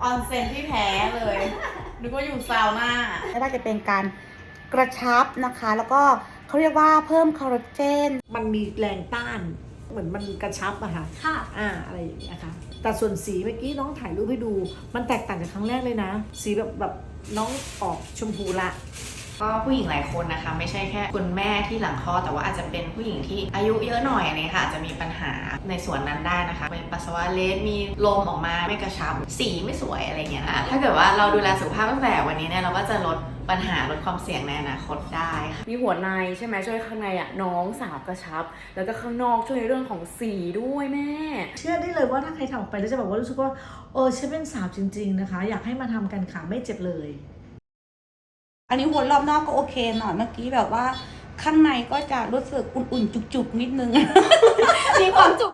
ออนเซ็นที่แท้เลยนึกว่าอยู่ซาวน่าไม่ว่าจะเป็นการกระชับนะคะแล้วก็เขาเรียกว่าเพิ่มคอลลาเจนมันมีแรงต้านเหมือนมันกระชับอะค่ะอะไรอย่างเงี้ยค่ะแต่ส่วนสีเมื่อกี้น้องถ่ายรูปให้ดูมันแตกต่างจากครั้งแรกเลยนะสีแบบน้องออกชมพูละก็ผู้หญิงหลายคนนะคะไม่ใช่แค่คุณแม่ที่หลังคลอดแต่ว่าอาจจะเป็นผู้หญิงที่อายุเยอะหน่อยเนี่ยค่ะอาจจะมีปัญหาในส่วนนั้นได้นะคะเป็นปัสสาวะเล็ดมีลมออกมาไม่กระชับสีไม่สวยอะไรเงี้ยนะถ้าเกิดว่าเราดูแลสุขภาพตั้งแต่วันนี้เนี่ยเราก็จะลดปัญหาลดความเสี่ยงในอนาคตได้ค่ะมีหัวในใช่ไหมช่วยข้างในอ่ะน้องสาวกระชับแล้วก็ข้างนอกช่วยในเรื่องของสีด้วยแม่เชื่อได้เลยว่าถ้าใครทำออกไปแล้วจะบอกว่ารู้สึกว่าฉันเป็นสาวจริงๆนะคะอยากให้มาทำกันค่ะไม่เจ็บเลยอันนี้วนรอบนอกก็โอเคหน่อยเมื่อกี้แบบว่าข้างในก็จะรู้สึกอุ่นๆจุกๆนิดนึงมีความจุก